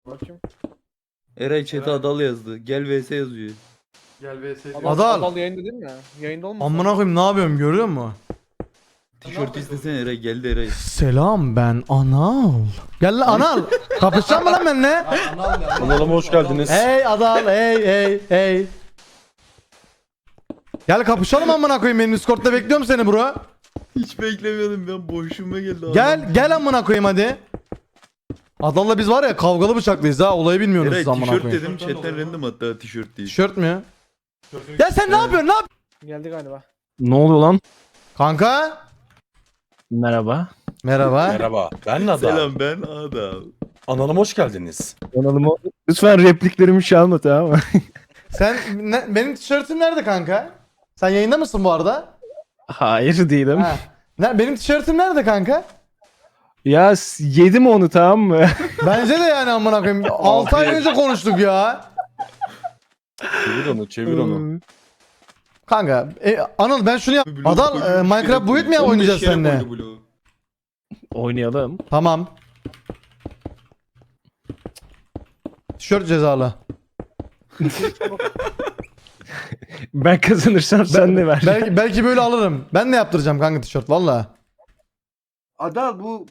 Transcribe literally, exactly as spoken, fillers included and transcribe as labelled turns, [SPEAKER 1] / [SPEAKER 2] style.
[SPEAKER 1] Bakayım.
[SPEAKER 2] Eray chat'e Adal yazdı. Gel vs yazıyor.
[SPEAKER 3] Gel V S diyor.
[SPEAKER 1] Adal,
[SPEAKER 4] Adal.
[SPEAKER 1] Adal yayında değil mi? Yayında olmasın?
[SPEAKER 4] Amına koyayım ne yapıyorum görüyor musun?
[SPEAKER 2] Tişört istesene Eray, geldi Eray.
[SPEAKER 4] Selam ben Anal. Gel lan Anal. Kapışacak mı lan benimle?
[SPEAKER 5] Kanalıma hoş geldiniz.
[SPEAKER 4] Hey Adal hey hey hey. Gel kapışalım amına koyayım, benim Discord'da bekliyorum seni bro.
[SPEAKER 2] Hiç beklemiyordum, ben boşluğuma geldi adam.
[SPEAKER 4] Gel gel amına koyayım hadi. Adal'la biz var ya kavgalı bıçaklıyız ha, olayı bilmiyorsunuz
[SPEAKER 2] Eray
[SPEAKER 4] siz amına
[SPEAKER 2] tişört
[SPEAKER 4] koyayım.
[SPEAKER 2] dedim, chatten random hatta tişört değil.
[SPEAKER 4] Tişört mü? Ya sen ne yapıyorsun ne yap?
[SPEAKER 1] Geldi galiba.
[SPEAKER 5] Ne oluyor lan?
[SPEAKER 4] Kanka.
[SPEAKER 5] Merhaba.
[SPEAKER 4] Merhaba.
[SPEAKER 5] Merhaba. Ben Nada.
[SPEAKER 2] Selam, ben Adal.
[SPEAKER 5] Kanalıma hoş geldiniz.
[SPEAKER 6] Kanalıma lütfen repliklerimi çalma, tamam mı?
[SPEAKER 4] Sen ne- benim tişörtüm nerede kanka? Sen yayında mısın bu arada?
[SPEAKER 6] Hayır değilim.
[SPEAKER 4] Ha. Ne, benim tişörtüm nerede kanka?
[SPEAKER 6] Ya s- yedim onu, tamam mı?
[SPEAKER 4] Bence de yani amına koyayım. altı ay önce konuştuk ya.
[SPEAKER 5] Çevir onu, çevir onu.
[SPEAKER 4] Kanka, e, Anıl ben şunu yap. Adal e, Minecraft Build mi ya oynayacağız seninle?
[SPEAKER 6] Oynayalım.
[SPEAKER 4] Tamam. Tişört cezalı.
[SPEAKER 6] Ben kazanırsam sen de ver.
[SPEAKER 4] Belki belki böyle alırım. Ben de yaptıracağım kanka tişört valla.
[SPEAKER 3] Adal bu